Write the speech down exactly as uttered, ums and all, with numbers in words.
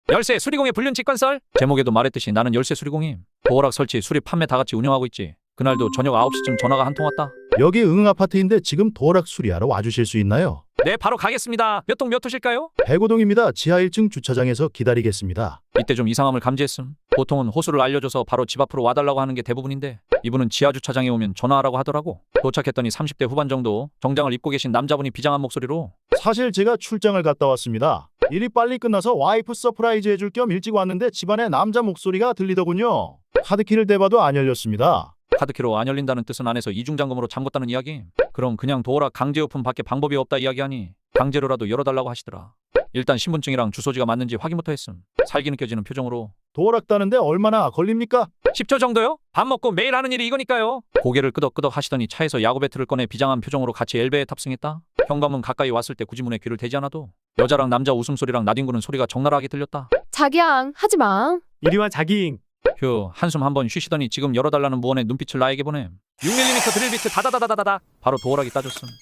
열쇠 수리공의 불륜 직관설? 제목에도 말했듯이 나는 열쇠 수리공임. 도어락 설치, 수리, 판매 다 같이 운영하고 있지. 그날도 저녁 아홉 시쯤 전화가 한 통 왔다. 여기 응 아파트인데 지금 도어락 수리하러 와주실 수 있나요? 네, 바로 가겠습니다. 몇 동 몇 호실까요? 백오동입니다. 지하 일 층 주차장에서 기다리겠습니다. 이때 좀 이상함을 감지했음. 보통은 호수를 알려줘서 바로 집 앞으로 와달라고 하는 게 대부분인데 이분은 지하 주차장에 오면 전화하라고 하더라고. 도착했더니 삼십 대 후반 정도 정장을 입고 계신 남자분이 비장한 목소리로 사실 제가 출장을 갔다 왔습니다. 일이 빨리 끝나서 와이프 서프라이즈 해줄 겸 일찍 왔는데 집안에 남자 목소리가 들리더군요. 카드키를 대봐도 안 열렸습니다. 카드키로 안 열린다는 뜻은 안에서 이중잠금으로 잠궜다는 이야기. 그럼 그냥 도어락 강제 오픈 밖에 방법이 없다 이야기하니 강제로라도 열어달라고 하시더라. 일단 신분증이랑 주소지가 맞는지 확인부터 했음. 살기 느껴지는 표정으로 도어락 따는데 얼마나 걸립니까? 십 초 정도요? 밥 먹고 매일 하는 일이 이거니까요. 고개를 끄덕끄덕 하시더니 차에서 야구 배트를 꺼내 비장한 표정으로 같이 엘베에 탑승했다. 현관문 가까이 왔을 때 굳이 문에 귀를 대지 않아도 여자랑 남자 웃음소리랑 나뒹구는 소리가 적나라하게 들렸다. 자기야, 하지 마. 이리와 자기잉. 휴, 한숨 한번 쉬시더니 지금 열어달라는 무언의 눈빛을 나에게 보냄. 육 밀리미터 드릴 비트 다다다다다다 바로 도어락이 따졌음.